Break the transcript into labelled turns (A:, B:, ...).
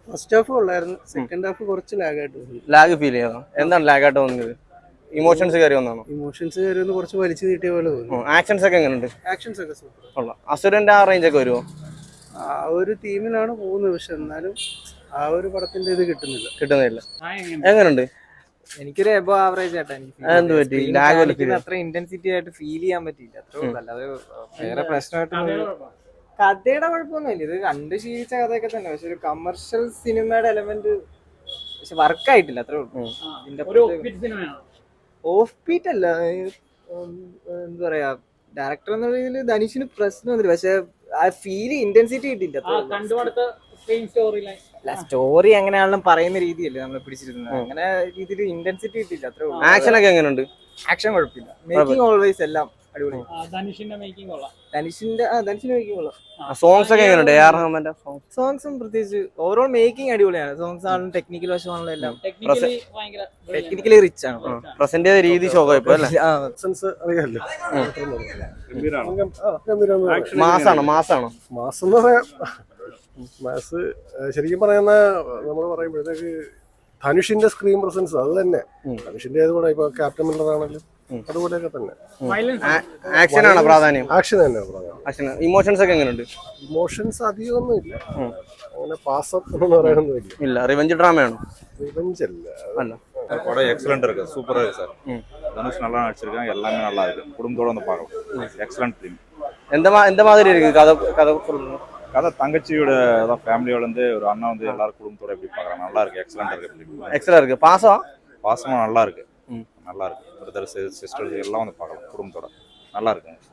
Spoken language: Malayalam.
A: ഫസ്റ്റ് ഹാഫ് ഉള്ളായിരുന്നു, സെക്കൻഡ് ഹാഫ് കുറച്ച് ലാഗായിട്ട് തോന്നി.
B: ലാഗ് ഫീൽ ചെയ്തോ? എന്താണ് ലാഗായിട്ട് തോന്നിയത്? ഇമോഷൻസ് കയറി വന്നാണോ?
A: ഇമോഷൻസ് കയറി കുറച്ച് വലിച്ചു നീട്ടിയ പോലെ തോന്നി.
B: ആക്ഷൻസ് ഒക്കെ എങ്ങനെയുണ്ട്?
A: ആക്ഷൻസ് ഒക്കെ സൂപ്പർ.
B: കൊള്ളാം. അസുരന്റെ ആ റേഞ്ച് ഒക്കെ വരുമോ?
A: ആ ഒരു തീമിലാണ് പോകുന്നത്, പക്ഷെ എന്നാലും ആ ഒരു പടത്തിന്റെ ഇത്
B: കിട്ടുന്നില്ല. എങ്ങനെയുണ്ട്?
C: എനിക്കൊരു എബോ ആവറേജ് ആയിട്ടാ
B: എന്ത് പറ്റി? ലാഗ്
C: അത്ര ഇന്റൻസിറ്റി ആയിട്ട് ഫീൽ ചെയ്യാൻ പറ്റിയില്ല, അത്രേ ഉള്ളൂ. അല്ലാതെ വേറെ പ്രശ്നമായിട്ട് കഥയുടെ കുഴപ്പമൊന്നുമില്ല, ഇത് കണ്ട് ശീലിച്ച കഥയൊക്കെ തന്നെ. പക്ഷെ ഒരു കമേഴ്ഷ്യൽ സിനിമയുടെ എലമെന്റ് പക്ഷെ വർക്കായിട്ടില്ല, അത്രേ ഉള്ളൂ. ഓഫ് ബീറ്റ് അല്ല, എന്താ പറയാ, ഡയറക്ടർ എന്ന രീതിയിൽ ധനുഷിന് പ്രശ്നമൊന്നുമില്ല, പക്ഷെ ആ ഫീൽ ഇന്റൻസിറ്റി കിട്ടിയില്ല. സ്റ്റോറി എങ്ങനെയാണെങ്കിലും പറയുന്ന രീതിയല്ലേ നമ്മൾ പിടിച്ചിരുന്നത്, അങ്ങനെ രീതിയിൽ ഇന്റൻസിറ്റി കിട്ടിയില്ല, അത്രേ ഉള്ളൂ.
B: ആക്ഷൻ ഒക്കെ എങ്ങനെയുണ്ട്?
C: ആക്ഷൻ കുഴപ്പമില്ല, മേക്കിംഗ് ഓൾവേസ് എല്ലാം അടിപൊളി.
D: ധനുഷിന്റെ മേക്കിംഗ് കൊള്ളാം.
C: ധനുഷിന്റെ മേക്കിംഗ് കൊള്ളാം.
B: സോങ്സ് ഒക്കെ എങ്ങനെയുണ്ട്? AR റഹ്മാന്റെ
C: സോങ്സും പ്രത്യേകിച്ച് ഓവറോൾ മേക്കിംഗ് അടിപൊളിയാണ്. സോങ്സ് ആണെങ്കിലും ടെക്നിക്കൽ വശമാണെങ്കിലും എല്ലാം ടെക്നിക്കലി റിച്ച് ആണ്.
B: പ്രസന്റ് ചെയ്ത രീതി ശോകമായിപ്പോ അല്ലേ? മാസാണോ?
E: മാസം എന്ന് പറയാം, മാസ് ശരിക്കും പറയുന്ന നമ്മൾ പറയുമ്പോഴത്തേക്ക് ധനുഷിന്റെ സ്ക്രീൻ പ്രസൻസ് അത് തന്നെ. ധനുഷിന്റെ ഏതുകൂടെ ഇപ്പൊ ക്യാപ്റ്റൻ മില്ലർ ആണെങ്കിലും അതുപോലെയൊക്കെ തന്നെ.
B: ആക്ഷൻ ആണോ പ്രാധാന്യം?
E: ആക്ഷൻ തന്നെയാണ് പ്രാധാന്യം.
B: ഇമോഷൻസ് ഒക്കെ എങ്ങനെയുണ്ട്?
E: ഇമോഷൻസ് അധികമൊന്നും ഇല്ല, അങ്ങനെ പാസം എന്ന് പറയാനൊന്നും
B: ഇല്ല. റിവെഞ്ച് ഡ്രാമയാണോ?
E: റിവെഞ്ച് അല്ല.
F: படம் எக்ஸலண்ட் இருக்கு, சூப்பரா இருக்கு சார். தனுஷ் நல்லா நடிச்சிருக்காங்க, எல்லாமே நல்லா இருக்கு. குடும்பத்தோட வந்து பார்க்கலாம். Excellent film.
B: எந்த மாதிரி இருக்கு
F: கதை தங்கச்சியோட ஃபேமிலியோட வந்து ஒரு அண்ணா வந்து எல்லாரும் குடும்பத்தோட எப்படி பார்க்கறாங்க, நல்லா இருக்கு. எக்ஸலண்ட் இருக்கு ஃபிலிம்.
B: எக்ஸலண்ட் இருக்கு. பாசமா
F: நல்லா இருக்கு. நல்லா இருக்கு. பிரதர்ஸ் சிஸ்டர்ஸ் எல்லாம் வந்து பார்க்கலாம் குடும்பத்தோட, நல்லா இருக்கு.